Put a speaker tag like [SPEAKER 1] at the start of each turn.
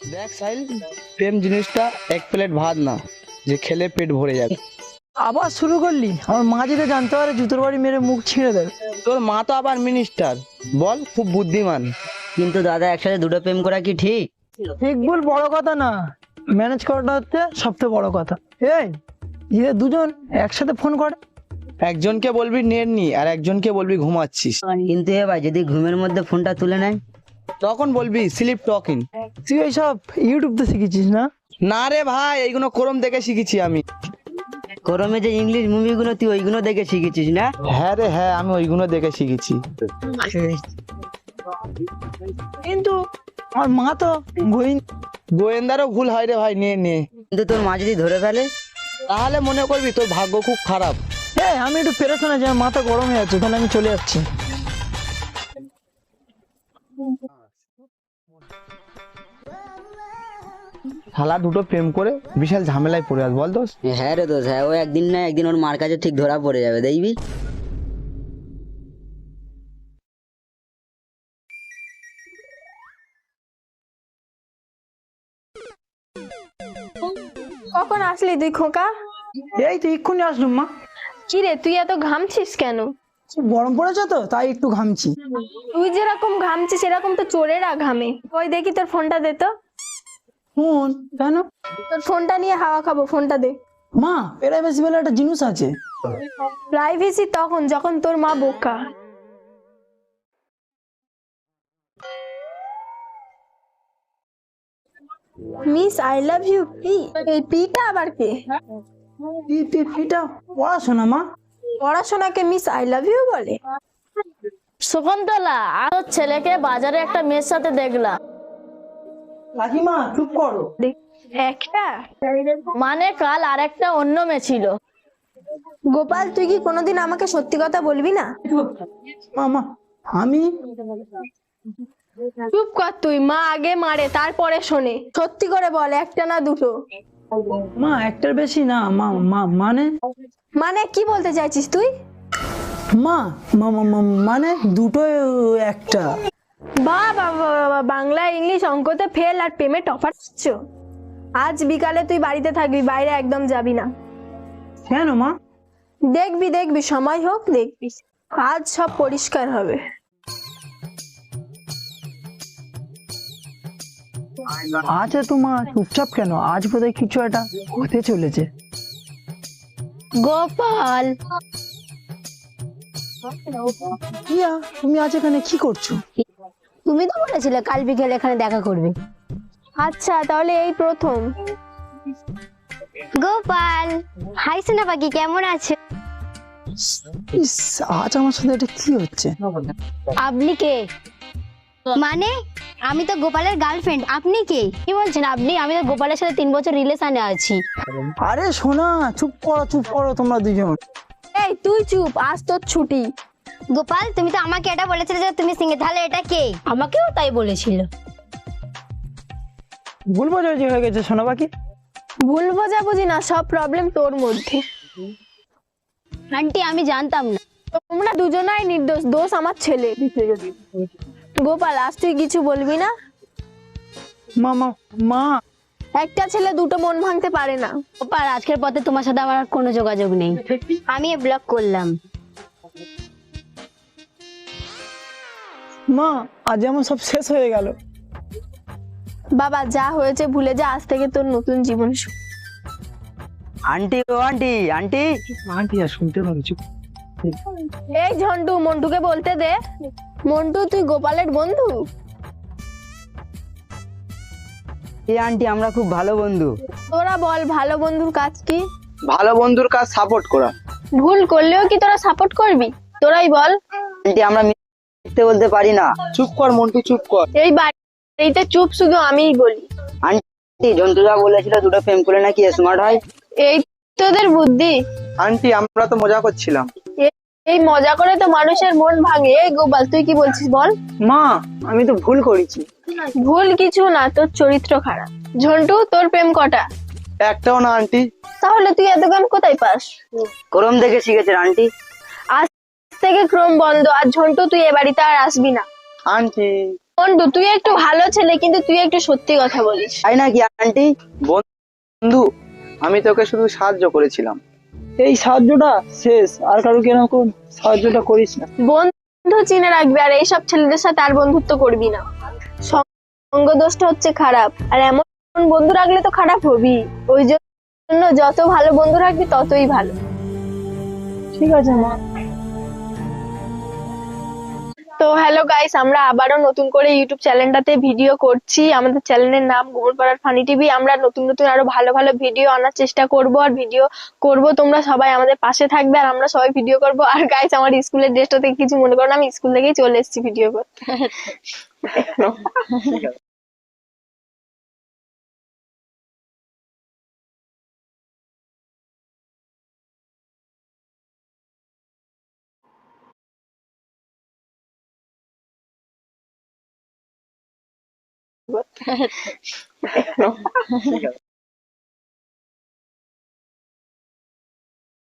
[SPEAKER 1] দেখ সাইল, প্রেম জিনিসটা এক প্লেট ভাত না যে খেলে পেট ভরে যাবে।
[SPEAKER 2] আবার শুরু করলি? আমার মা যদি জানতে পারে জুতোর বাড়ি মেরে মুখ ছিঁড়ে দেবে।
[SPEAKER 1] তোর মা তো আবার মিনিস্টার, বল খুব বুদ্ধিমান।
[SPEAKER 3] কিন্তু দাদা একসাথে দুটো প্রেম করা কি ঠিক?
[SPEAKER 2] ঠিক ভুল বড় কথা না, ম্যানেজ করাটা হচ্ছে সবথেকে বড় কথা। এই এরা দুজন একসাথে ফোন করে,
[SPEAKER 1] একজনকে বলবি নেট নি আর একজনকে বলবি ঘুমাচ্ছিস,
[SPEAKER 3] কিন্তু এ ভাই যদি ঘুমের মধ্যে ফোনটা তুলে নেয়?
[SPEAKER 1] তখন বলবি স্লিপ টকিং।
[SPEAKER 2] তুই এইসব ইউটিউব তো শিখেছিস না?
[SPEAKER 1] না রে ভাই, এইগুলো ক্রোম দেখে শিখেছি আমি।
[SPEAKER 3] গরমে যে ইংলিশ মুভিগুলো তুই ওইগুলো দেখে শিখেছিস না?
[SPEAKER 1] হ্যাঁ রে হ্যাঁ, আমি ওইগুলো দেখে শিখেছি।
[SPEAKER 2] কিন্তু আমার মা তো
[SPEAKER 1] গোয়েন্দারও ভুল হয় রে ভাই, নে নে।
[SPEAKER 3] কিন্তু তোর মা যদি ধরে ফেলে?
[SPEAKER 1] তাহলে মনে করবি তোর ভাগ্য খুব খারাপ।
[SPEAKER 2] হ্যাঁ, আমি একটু পেরেশান আছি, আমার মাথা গরম হয়ে যাচ্ছে, তাহলে আমি চলে যাচ্ছি।
[SPEAKER 1] শালা দুটো প্রেম করে বিশাল ঝামেলায় পড়ে আস, বল দোষ।
[SPEAKER 3] হ্যাঁ রে দোষ, হ্যাঁ ও একদিন না একদিন ওর মার কাছে ঠিক ধরা পড়ে যাবে, দেখবি।
[SPEAKER 4] কখন আসলি তুই খোকা?
[SPEAKER 2] এই তো এক্ষুনি আসলুম মা।
[SPEAKER 4] কি রে তুই এত ঘামছিস কেন?
[SPEAKER 2] গরম পড়েছে তো তাই একটু ঘামছি।
[SPEAKER 4] তুই যেরকম ঘামছিস সেরকম তো চোরেরা ঘামে। ওই দেখি তোর ফোনটা দে তো।
[SPEAKER 2] ফোন কেন?
[SPEAKER 4] তোর ফোনটা নিয়ে হাওয়া খাবো, ফোনটা দে।
[SPEAKER 2] মা, প্রাইভেসি বলে একটা জিনিস আছে।
[SPEAKER 4] প্রাইভেসি তখন যখন তোর মা বোকা। Miss I love you P. এই পিটা আবার কে?
[SPEAKER 2] এটা পড়াশোনা মা।
[SPEAKER 4] পড়াশোনাকে মিস আই লাভ ইউ বলে?
[SPEAKER 5] শকুন্তলা, আর ওর ছেলেকে বাজারে একটা মেয়ের সাথে দেখলাম।
[SPEAKER 2] কাকিমা চুপ করো।
[SPEAKER 4] একটা
[SPEAKER 5] মানে কাল আর একটা অন্য মেয়ে ছিল।
[SPEAKER 4] গোপাল, তুই কি কোনোদিন আমাকে সত্যি কথা বলবি না?
[SPEAKER 2] মামা আমি
[SPEAKER 4] চুপ কর তুই, মা আগে মারে তারপরে শোনে। সত্যি করে বল, একটা না দুটো?
[SPEAKER 2] মা একটার বেশি না মা। মানে
[SPEAKER 4] মানে কি বলতে চাইছিস তুই?
[SPEAKER 2] মা মানে দুটো একটা।
[SPEAKER 4] বাবা, বাংলা ইংলিশ অঙ্কতে ফেল আর প্রেমে টপার। আজ বিকালে তুই বাড়িতে থাকবি, বাইরে একদম যাবি না।
[SPEAKER 2] কেন মা?
[SPEAKER 4] দেখবি সময় হোক, দেখবি আজ সব পরিষ্কার হবে।
[SPEAKER 2] আচ্ছা তো মা চুপচাপ কেন? আজ বোধহয় কিছু একটা হতে চলেছে।
[SPEAKER 5] গোপাল,
[SPEAKER 2] ইয়া, তুমি আজ এখানে কি করছো?
[SPEAKER 5] তুমি তো বলেছিলে কাল বিকেলে এখানে দেখা করবে।
[SPEAKER 4] আচ্ছা তাহলে এই প্রথম।
[SPEAKER 6] গোপাল, হাই সোনা পাখি, কেমন আছে?
[SPEAKER 2] ইস, আজ আমার সাথে এটা কি হচ্ছে?
[SPEAKER 5] আপনি কে?
[SPEAKER 6] মানে আমি তো গোপালের গার্লফ্রেন্ড, আপনি কে?
[SPEAKER 5] কি বলছেন আপনি? আমি তো গোপালের সাথে 3 বছর রিলেশনে আছি।
[SPEAKER 2] আরে শোনা, চুপ করো তোমরা দুজন।
[SPEAKER 4] এই তুই চুপ, আজ তোর ছুটি।
[SPEAKER 6] গোপাল, তুমি তো আমাকে এটা বলেছিলে যে তুমি সিঙ্গেল, তাহলে এটা কে?
[SPEAKER 5] আমাকেও তাই বলেছিল।
[SPEAKER 2] ভুল বোঝাবুঝি হয়ে গেছে সোনা পাখি।
[SPEAKER 4] ভুল বোঝাবুঝি না, সব প্রবলেম তোর মধ্যে।
[SPEAKER 5] আন্টি আমি জানতাম না।
[SPEAKER 4] তোমরা দুজনাই নির্দোষ, দোষ আমার ছেলে। গোপাল, আজ তুই কিছু বলবি না?
[SPEAKER 2] মা
[SPEAKER 4] একটা ছেলে দুটো মন ভাঙতে পারে না।
[SPEAKER 5] গোপাল, আজকের পথে তোমার সাথে আমার আর কোনো যোগাযোগ নেই।
[SPEAKER 6] আমি ব্লক করলাম।
[SPEAKER 2] মা, আজ আমার সব শেষ হয়ে গেল।
[SPEAKER 4] বাবা, যা হয়েছে ভুলে যা, আজ থেকে তোর নতুন জীবন শুরু।
[SPEAKER 3] আন্টি ও আন্টি, আন্টি
[SPEAKER 2] আন্টি আর শুনতে পাচ্ছি।
[SPEAKER 4] এই ঝন্টু, মন্টুকে বলতে দে। মন্টু, তুই গোপালের বন্ধু?
[SPEAKER 3] এই আন্টি আমরা খুব ভালো বন্ধু।
[SPEAKER 4] তোরা বল, ভালো বন্ধুর কাজ কি?
[SPEAKER 1] ভালো বন্ধুর কাজ সাপোর্ট করা।
[SPEAKER 4] ভুল করলেও কি তোরা সাপোর্ট করবি? তোরাই বল।
[SPEAKER 3] আন্টি আমরা মিথ্যে বলতে পারি না।
[SPEAKER 1] চুপ কর মন্টু, চুপ কর।
[SPEAKER 4] এই বাড়িতে চুপ শুধু আমিই বলি।
[SPEAKER 3] আন্টি জন্তুদা বলেছিল দুটো প্রেম করে নাকি স্মার্ট হয়।
[SPEAKER 4] এই তোদের বুদ্ধি?
[SPEAKER 1] আন্টি আমরা তো মজা করছিলাম।
[SPEAKER 4] এই মজা করে তো মানুষের মন ভাঙে। এই গোপাল, তুই কি বলছিস বল?
[SPEAKER 2] মা, আমি তো ভুল করেছি।
[SPEAKER 4] ভুল কিছু না, তোর চরিত্র খারাপ। ঝন্টু, তোর প্রেম কটা?
[SPEAKER 1] একটাও না আন্টি।
[SPEAKER 4] তাহলে তুই এত জ্ঞান কোথায় পাস?
[SPEAKER 3] গরম দেখে শিখেছেন আন্টি।
[SPEAKER 4] আজ থেকে ক্রম বন্ধ। আর ঝন্টু, তুই এ বাড়িতে আর আসবি না।
[SPEAKER 1] আন্টি
[SPEAKER 4] বন্ধু তুই একটু ভালো ছেলে, কিন্তু তুই একটু সত্যি কথা বলিস।
[SPEAKER 3] তাই নাকি আন্টি?
[SPEAKER 1] বন্ধু, আমি তোকে শুধু সাহায্য করেছিলাম।
[SPEAKER 2] এই সাহায্যটা শেষ, আর কারো এরকম সাহায্যটা করিস না।
[SPEAKER 4] বন্ধু চিনে রাখবি, আর এইসব ছেলেদের সাথে আর বন্ধুত্ব করবি না। সঙ্গ দোষটা হচ্ছে খারাপ, আর এমন বন্ধু রাখলে তো খারাপ হবি। ওই জন্য যত ভালো বন্ধু রাখবি ততই ভালো।
[SPEAKER 2] ঠিক আছে মা।
[SPEAKER 4] তো হ্যালো গাইস, আমরা আবারও নতুন করে ইউটিউব চ্যানেলটাতে ভিডিও করছি। আমাদের চ্যানেলের নাম গোবরপাড়ার ফানি টিভি। আমরা নতুন নতুন আরো ভালো ভালো ভিডিও আনার চেষ্টা করব, আর ভিডিও করব। তোমরা সবাই আমাদের পাশে থাকবে, আর আমরা সবাই ভিডিও করব। আর গাইস, আমার স্কুলের ড্রেসটা থেকে কিছু মনে করো না, আমি স্কুল থেকেই চলে এসেছি ভিডিও করতে।